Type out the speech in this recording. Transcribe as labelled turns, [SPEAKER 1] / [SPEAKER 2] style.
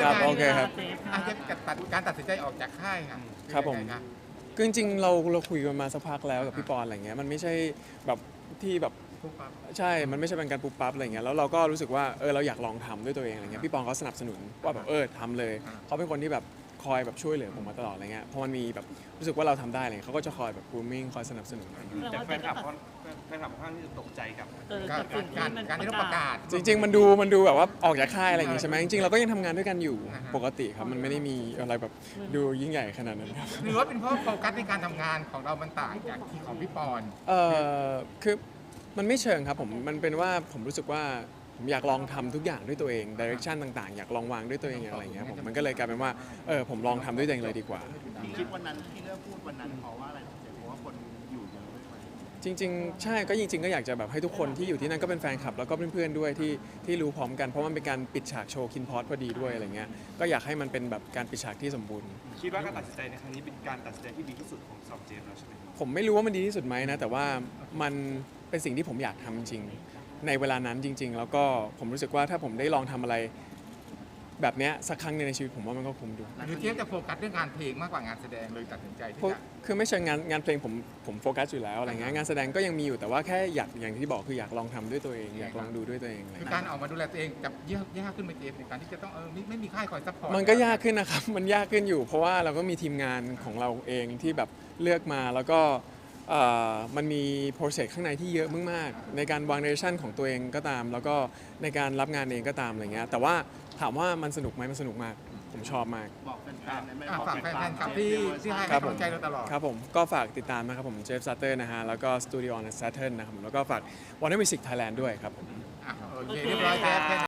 [SPEAKER 1] ครับโอเคครับ
[SPEAKER 2] อาจจะการตัดสินใจออกจากค่ายค่ะ
[SPEAKER 1] ครับผม
[SPEAKER 2] เป็นยังไง
[SPEAKER 1] คือจริงๆเราคุยกันมาสักพักแล้วกับพี่ปอนอะไรเงี้ยมันไม่ใช่แบบที่แบบ
[SPEAKER 2] ปุ๊บปั๊บ
[SPEAKER 1] ใช่มันไม่ใช่เป็นการปุ๊บปั๊บอะไรเงี้ยแล้วเราก็รู้สึกว่าเราอยากลองทำด้วยตัวเองอะไรเงี้ยพี่ปอนเขาสนับสนุนว่าแบบทำเลยเขาเป็นคนที่แบบคอยแบบช่วยเหลือผมมาตลอดอะไรเงี้ยพอมันมีแบบรู้สึกว่าเราทำได้อะไรเงี้ยเขาก็จะคอยแบบ grooming คอยสนับสนุนอะไรเงี้ย
[SPEAKER 3] แต่แฟนคลับค่อนข้างที่จะตกใจกับ
[SPEAKER 2] การที่เราประกาศ
[SPEAKER 1] จริงๆมันดูแบบว่าออกจากค่ายอะไรอย่างงี้ใช่ไหมจริงๆเราก็ยังทำงานด้วยกันอยู่ปกติครับมันไม่ได้มีอะไรแบบดูยิ่งใหญ่ขนาดนั้นครับ
[SPEAKER 2] หรือว่าเป็นเพราะโฟกัสในการทำงานของเรามันต่างจากที่ของพี่ปอน
[SPEAKER 1] คือมันไม่เชิงครับผมมันเป็นว่าผมรู้สึกว่าผมอยากลองทำทุกอย่างด้วยตัวเองดิเรกชันต่างๆอยากลองวางด้วยตัวเองอะไรอย่างเงี้ยผมมันก็เลยกลายเป็นว่าผมลองทำด้วยตัวเองเลยดีกว่า
[SPEAKER 4] ที่คิดวันนั้นที่เลือกพูดวันนั้นเพราะว่าอะไรเพราะว่าคนอยู่เยอะด้วยไหม
[SPEAKER 1] จริงๆใช่ก็จริงๆก็อยากจะแบบให้ทุกคนที่อยู่ที่นั่นก็เป็นแฟนคลับแล้วก็เพื่อนๆด้วยที่รู้พร้อมกันเพราะมันเป็นการปิดฉากโชว์คินพอสพอดีด้วยอะไรเงี้ยก็อยากให้มันเป็นแบบการปิดฉากที่สมบูรณ์
[SPEAKER 3] คิดว่าการตัดสินใจในครั้งนี้เป็นการตัดสินใจที่ดีที่สุดของสำหรับเจมส์แล้วใช่ไหม
[SPEAKER 1] ผมไม่รู้ว่ามันดีที่สุดไหมนะแต่ว่ามันเป็นสิ่งที่ผมอยากทำจริงในเวลานั้นจริง ๆ แล้วก็ผมรู้สึกว่าถ้าผมได้ลองทำอะไรแบบเนี้ยสักครั้งหนึงในชีวิตผมว่ามันก็คุ้มดู
[SPEAKER 2] หรือเทียบจะโฟกัสเรื่องงานเพลงมากกว่างานแสดงเลยตัดสินใจที่
[SPEAKER 1] พวก
[SPEAKER 2] จะ
[SPEAKER 1] คือไม่เชิงงานเพลงผมโฟกัสอยู่แล้วอะไรเงี้ยงานแสดงก็ยังมีอยู่แต่ว่าแค่อยากอย่างที่บอกคืออยากลองทำด้วยตัวเองอยากลองดูด้วยตัวเองอะไร
[SPEAKER 2] คือ
[SPEAKER 1] เงี้ย
[SPEAKER 2] การออกมาดูแลตัวเองกับยากขึ้นไหมเจมส์ในการที่จะต้องไม่มีค่ายคอยซัพพอร์ต
[SPEAKER 1] มันก็ยากขึ้นนะครับ มันยากขึ้นอยู่ เพราะว่าเราก็มีทีมงานของเราเองที่แบบเลือกมาแล้วก็มันมีโปรเซสข้างในที่เยอะมากๆในการวางเดเรชั่นของตัวเองก็ตาม แล้วก็ในการรับงานเองก็ตามอะไรเงี้ยแต่ว่าถามว่ามันสนุกไหมมันสนุกมากผมชอบมาก
[SPEAKER 4] บอกแฟนๆได้ไหม
[SPEAKER 2] ฝากแฟนๆกับที่ให้
[SPEAKER 1] ครับ
[SPEAKER 2] กำลังใจเราตลอด
[SPEAKER 1] ครับผมก็ฝากติดตามนะครับผมเจฟซัตเตอร์นะฮะแล้วก็สตูดิโอ on Saturn นะครับผมแล้วก็ฝาก Warner Music Thailand ด้วยครับผม
[SPEAKER 2] โอเคเรียบร้อยแจ๊บ